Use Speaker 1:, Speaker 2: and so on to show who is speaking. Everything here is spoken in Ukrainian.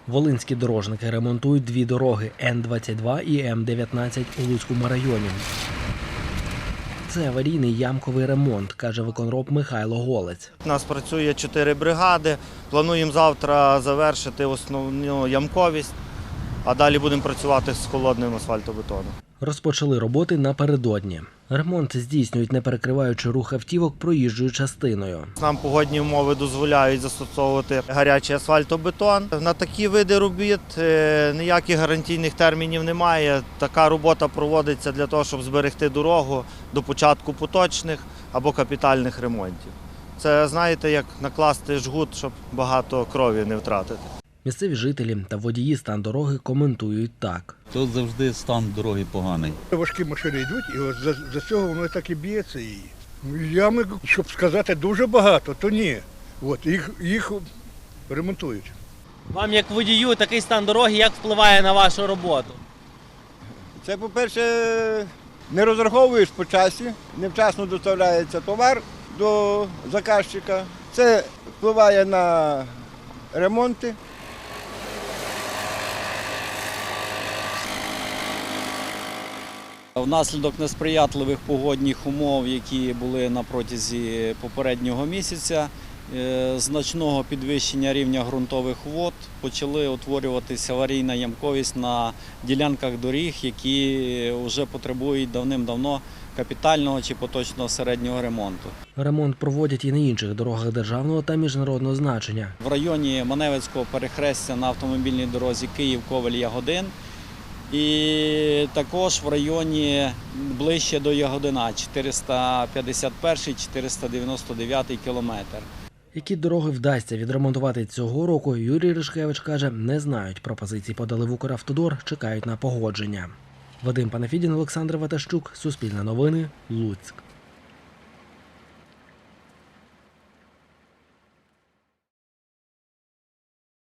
Speaker 1: Волинські дорожники ремонтують дві дороги – Н-22 і М-19 у Луцькому районі. Це аварійний ямковий ремонт, каже виконроб Михайло Голець.
Speaker 2: У нас працює 4 бригади. Плануємо завтра завершити основну ямковість, а далі будемо працювати з холодним асфальтобетоном.
Speaker 1: Розпочали роботи напередодні. Ремонт здійснюють, не перекриваючи рух автівок проїжджою частиною.
Speaker 2: Нам погодні умови дозволяють застосовувати гарячий асфальтобетон. На такі види робіт ніяких гарантійних термінів немає. Така робота проводиться для того, щоб зберегти дорогу до початку поточних або капітальних ремонтів. Це, знаєте, як накласти жгут, щоб багато крові не втратити.
Speaker 1: Місцеві жителі та водії стан дороги коментують так.
Speaker 3: Тут завжди стан дороги поганий.
Speaker 4: Важкі машини йдуть, і от за цього воно так і б'ється. Ями, щоб сказати, дуже багато, то ні. От, їх ремонтують.
Speaker 5: Вам, як водію, такий стан дороги як впливає на вашу роботу?
Speaker 6: Це, по-перше, не розраховуєш по часі, невчасно доставляється товар до заказчика. Це впливає на ремонти.
Speaker 7: Внаслідок несприятливих погодних умов, які були на протязі попереднього місяця, значного підвищення рівня ґрунтових вод, почали утворюватися аварійна ямковість на ділянках доріг, які вже потребують давним-давно капітального чи поточного середнього ремонту.
Speaker 1: Ремонт проводять і на інших дорогах державного та міжнародного значення.
Speaker 7: В районі Маневицького перехрестя на автомобільній дорозі Київ-Ковель-Ягодин і також в районі ближче до Ягодина 451-499 кілометр.
Speaker 1: Які дороги вдасться відремонтувати цього року, Юрій Ришкевич каже, не знають. Пропозиції подали в Укравтодор, чекають на погодження. Вадим Панафідін, Олександр Ватащук, Суспільне новини, Луцьк.